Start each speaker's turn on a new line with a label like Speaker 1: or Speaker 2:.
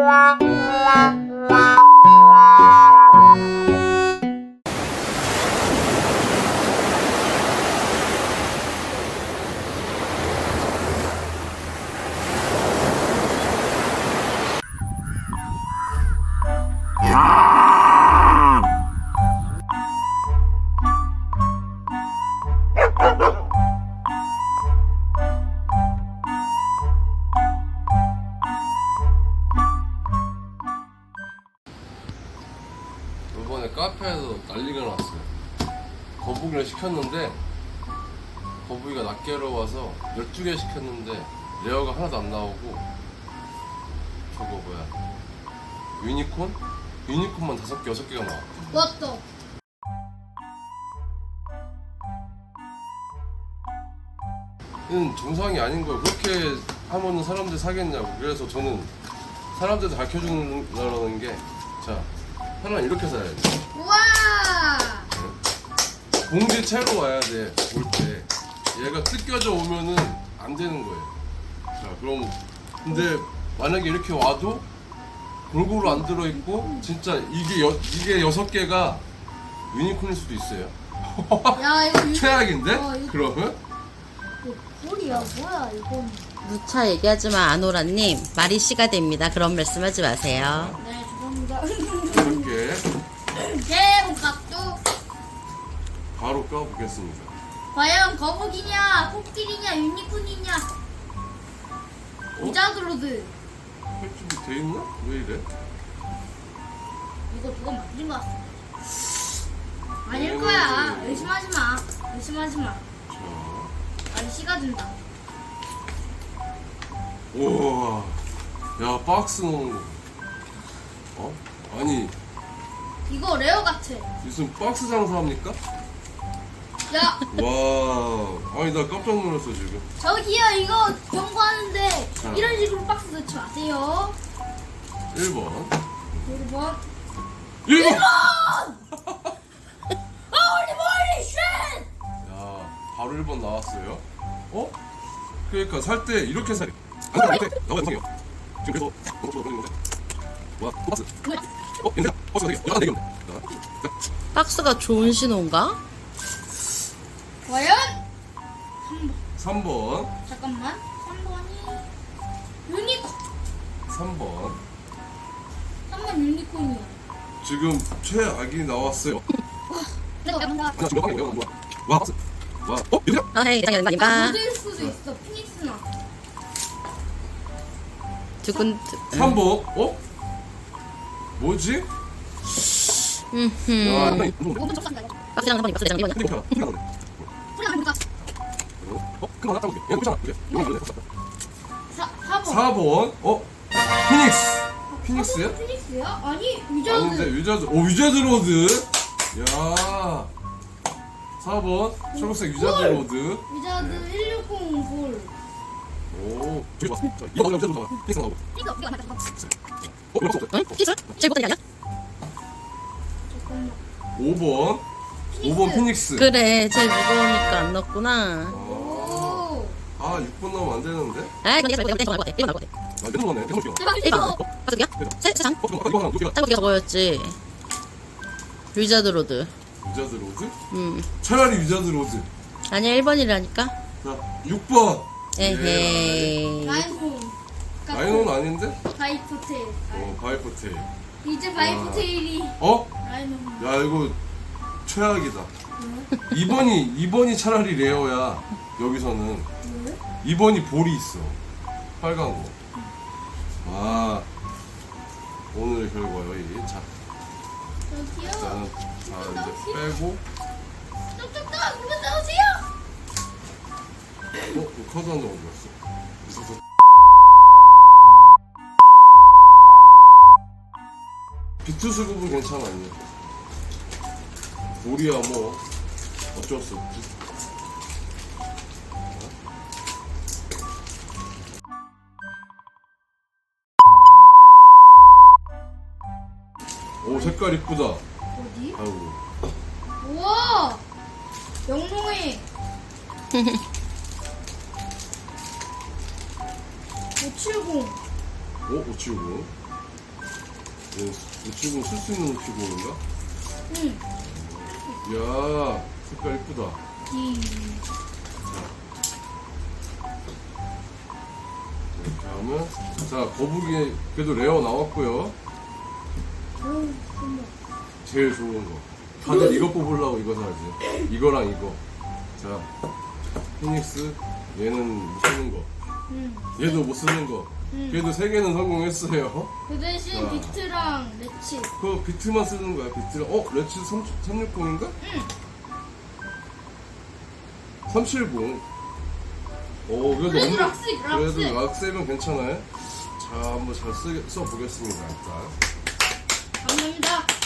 Speaker 1: 이번에 카페에서 난리가 났어요. 거북이를 시켰는데 거북이가 낱개로 와서 12개 시켰는데 레어가 하나도 안 나오고, 저거 뭐야, 유니콘? 유니콘만 5개, 6개가 나와.
Speaker 2: 맞다.
Speaker 1: 이건 정상이 아닌 거예요. 그렇게 하면은 사람들 사겠냐고. 그래서 저는 사람들도 가르쳐주는 게, 자, 하나는 이렇게 사야 돼.
Speaker 2: 우와.
Speaker 1: 봉지 채로 와야 돼. 올 때 얘가 뜯겨져 오면은 안 되는 거예요. 자, 그럼 근데 만약에 이렇게 와도 골고루 안 들어있고, 진짜 이게 6개가 유니콘일 수도 있어요.
Speaker 2: 야 이거
Speaker 1: 최악인데?
Speaker 2: 이거
Speaker 1: 그러면?
Speaker 2: 꼴이야 뭐야 이건.
Speaker 3: 누차 얘기하지만 아노라님 말이 씨가 됩니다. 그런 말씀하지 마세요.
Speaker 2: 네 죄송합니다.
Speaker 1: 이렇게
Speaker 2: 새해 복 각도.
Speaker 1: 바로 까보겠습니다.
Speaker 2: 과연 거북이냐 코끼리냐 유니콘이냐 위자드로드.
Speaker 1: 할 준비 돼 있나? 왜 이래?
Speaker 2: 이거 누가 만든 거 같아. 아닐 거야. 의심하지 마. 의심하지 마.
Speaker 1: 자,
Speaker 2: 말이 씨가 된다.
Speaker 1: 우와, 야, 박스 넣는 거. 어? 아니,
Speaker 2: 이거 레어 같아.
Speaker 1: 무슨 박스 장사합니까?
Speaker 2: 야
Speaker 1: 와, 아니 나 깜짝 놀랐어 지금.
Speaker 2: 저기요 이거 경고하는데
Speaker 1: 자.
Speaker 2: 이런 식으로 박스 넣지 마세요.
Speaker 1: 1번.
Speaker 2: 1번.
Speaker 1: 1번!
Speaker 2: 홀리 쉣!
Speaker 1: 야, 바로 1번 나왔어요. 어? 그러니까 살 때 이렇게 사야 돼. 안 돼, 나와 영상이요. 지금 그래서 너무 좋아 보이는 건데. 와, 또 박스. 인생 박스가 되게 약간 되게 없네.
Speaker 3: 박스가 좋은 신호인가?
Speaker 2: 과연?
Speaker 1: 3번.
Speaker 2: 잠깐만. 3번이 유니콘.
Speaker 1: 3번.
Speaker 2: 3번 유니콘이야.
Speaker 1: 지금 최악이 나왔어요.
Speaker 2: 내가 간다.
Speaker 1: 나 지금 몇 방이야? 뭐야? 와, 박스. 와, 얘들아.
Speaker 3: 아, 헤이, 이상이 아닌가?
Speaker 2: 모델 수도 있어. 피닉스나.
Speaker 3: 두근,
Speaker 1: 3번. 어? 뭐지? 야, 나 이거 너무
Speaker 2: 5번 접수한다. 이거.
Speaker 3: 박스장 3번이 박스 대장 1번이야.
Speaker 1: 흔들리잖아. 소리가 나네.
Speaker 2: 소리가 나니까.
Speaker 1: 어? 그만 하나 따볼게. 얘는 그렇잖아. 그래. 이거 말래.
Speaker 2: 4번.
Speaker 1: 4번. 어? 피닉스. 피닉스야?
Speaker 2: 피닉스야? 아니
Speaker 1: 아닌데
Speaker 2: 위저드.
Speaker 1: 위자드. 오, 위자드 로드. 야. 4번 초록색 위자드 로드.
Speaker 2: 위저드 160 볼.
Speaker 1: 오, 저기 봐. 자, 이거 나오면 위자드 로드 나와. 피닉스 나오고.
Speaker 2: 이거 안 맞다.
Speaker 1: 어, 왜 없어?
Speaker 3: 응? 피스? 제일 못하는 게 아니야?
Speaker 2: 잠깐만.
Speaker 1: 5번. 5번 피닉스.
Speaker 3: 그래, 제일 무거우니까 안 넣었구나.
Speaker 2: 오.
Speaker 1: 아, 6번 나오면 안 되는데.
Speaker 3: 아, 이건 얘가 땡 나올 것 같아. 1번 나올 것 같아.
Speaker 1: 아, 계속 나네. 계속 뛰어.
Speaker 3: 1번. 박스기야? 세장?
Speaker 1: 어, 그럼 아까 이거 하나 놓기가.
Speaker 3: 짱구기가 저거였지. 위자드 로드.
Speaker 1: 위자드 로드?
Speaker 3: 차라리
Speaker 1: 위자드 로드.
Speaker 3: 아니야, 1번이라니까.
Speaker 1: 자, 6번.
Speaker 3: 에헤이.
Speaker 2: 라인홈.
Speaker 1: 라이논 아닌데?
Speaker 2: 바이포테일.
Speaker 1: 바이포테일.
Speaker 2: 이제 바이포테일이
Speaker 1: 어?
Speaker 2: 라인홈.
Speaker 1: 야, 이거 최악이다. 2번이 차라리 레어야. 여기서는
Speaker 2: 왜?
Speaker 1: 2번이 볼이 있어. 빨간 거. 아, 오늘의 결과요. 이. 자,
Speaker 2: 저기요.
Speaker 1: 일단은 자 이제 빼고.
Speaker 2: 쪽쪽쪽 그만 나오세요.
Speaker 1: 이 카드 한 장 어디 갔어? 있었어. 비트 수급은 괜찮아. 아니야? 볼이야 뭐 어쩔 수 없지. 오, 색깔 이쁘다.
Speaker 2: 어디?
Speaker 1: 아이고.
Speaker 2: 우와. 영롱해. 570.
Speaker 1: 오, 579. 우측은 쓸 수 있는 우측인가?
Speaker 2: 응.
Speaker 1: 이야, 색깔 이쁘다. 이렇게 하면, 자, 거북이, 그래도 레어 나왔고요. 제일 좋은 거. 다들 이거 뽑으려고 이거 사야지. 이거랑 이거. 자, 피닉스, 얘는 못 쓰는 거.
Speaker 2: 응.
Speaker 1: 얘도 못 쓰는 거. 그래도 3개는 성공했어요.
Speaker 2: 그 대신
Speaker 1: 자.
Speaker 2: 비트랑 레치.
Speaker 1: 그 비트만 쓰는 거야, 비트랑. 레츠 360인가?
Speaker 2: 응.
Speaker 1: 370. 그래도
Speaker 2: 그래도 락스.
Speaker 1: 그래도 락세면 괜찮아요. 자, 한번 잘 써보겠습니다, 일단.
Speaker 2: 감사합니다.